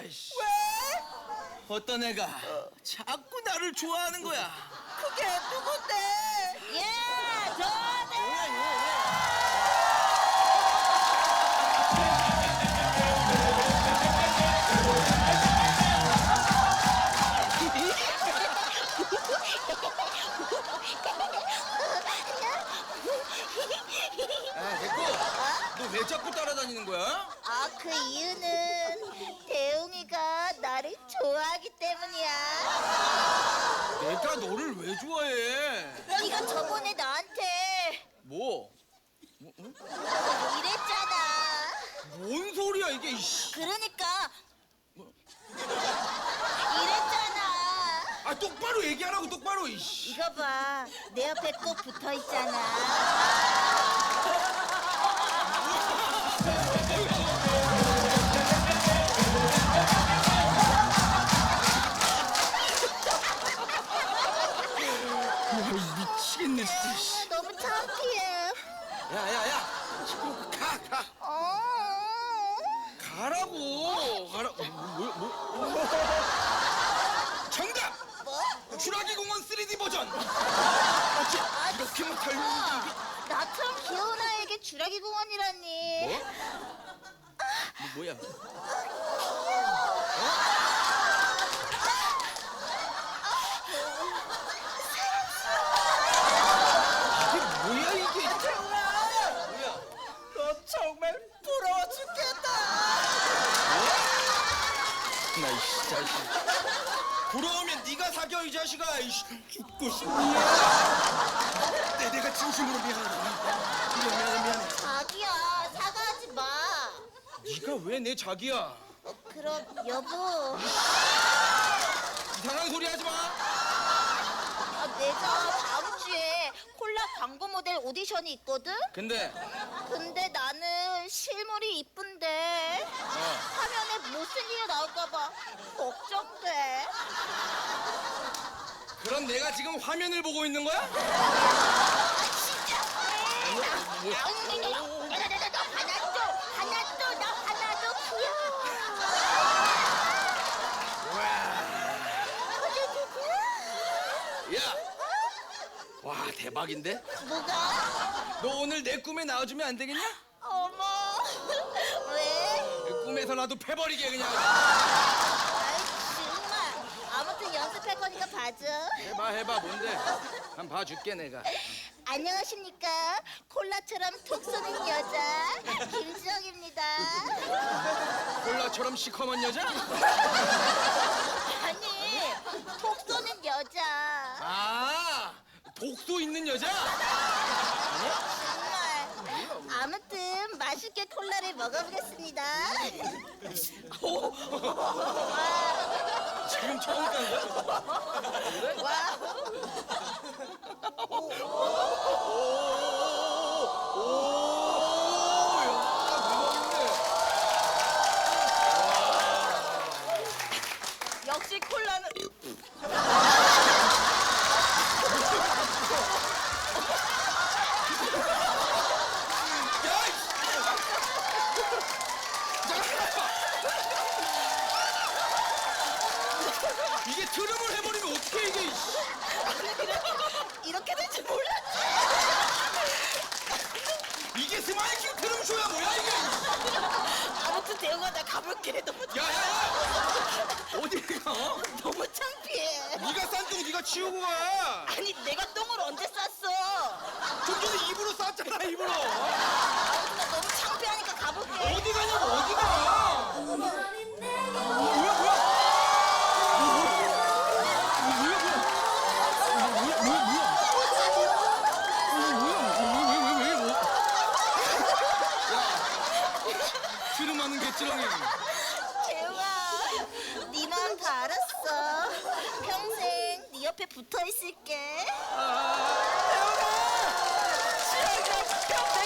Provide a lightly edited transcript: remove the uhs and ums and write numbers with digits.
이씨. 왜? 어떤 애가 자꾸 나를 좋아하는 거야. 그게 누군데? 예, 저네. 아, 됐고. 너 왜 자꾸 따라다니는 거야? 아, 그 이유는 대웅이가 나를 좋아하기 때문이야. 내가 너를 왜 좋아해? 네가 저번에 나한테 뭐? 이랬잖아. 뭔 소리야 이게 이씨. 그러니까 이랬잖아. 아 똑바로 얘기하라고 똑바로 이씨. 이거 봐, 내 옆에 꼭 붙어 있잖아. 미치겠네 진짜. 씨. 너무 창피해. 야야야. 시끄럽고 가. 가라고. 가라고. 정답. 뭐? 주라기 공원 3D 버전. 맞지? 이렇게만 달리는 나처럼 귀여운 아이에게 주라기 공원이라니. 뭐? 뭐야? 이게 뭐야 이게? 뭐야? 너 정말 부러워 죽겠다. 나 이씨 자식. 부러우면 네가 사겨 이 자식아. 이씨 죽고 싶니? 내가 진심으로 미안하다. 미안해. 자기야, 사과하지 마. 네가 왜 내 자기야? 그럼 여보, 이상한 소리 하지 마. 내가 다음 주에 콜라 광고 모델 오디션이 있거든? 근데 근데 나는 실물이 이쁜데 화면에 무슨 일이 나올까봐 걱정돼. 그럼 내가 지금 화면을 보고 있는 거야? 하나도 나 하나도 귀여워. 야, 와 대박인데? 뭐가? 너 오늘 내 꿈에 나와주면 안 되겠냐? 어머, 왜? 그 꿈에서 나도 패버리게 그냥. 아이 정말. 아무튼 연습할 거니까 봐줘. 해봐 뭔데? 한번 봐줄게 내가. 안녕하십니까? 콜라처럼 톡 쏘는 여자 김지영입니다. 콜라처럼 시커먼 여자? 아니, 톡 쏘는 여자. 아, 독소 있는 여자? 정말. 아무튼 맛있게 콜라를 먹어보겠습니다. 지금 처음 깐 거야? 와. 역시 콜라는 이게 트름을 해버리면 어떻게 이게? 이렇게 될 줄 몰랐지. 이게 스마이킹 트름 쇼야 뭐야 이게? 아무튼 대웅아, 나 가볼게. 너무 야야야! 어디 가? 너무 창피해. 네가 싼 똥 네가 치우고 가. 아니, 내가 똥을 언제 쌌어? 좀 전에 입으로 쌌잖아 입으로. 아무튼 나 너무 창피하니까 가볼게. 어디 가냐고 어디 가? 뭐야? 트름하는 개찌렁이. 대웅아, 네 마음 다 알았어. 평생 네 옆에 붙어 있을게. 아, 대웅아, 지영이가 평생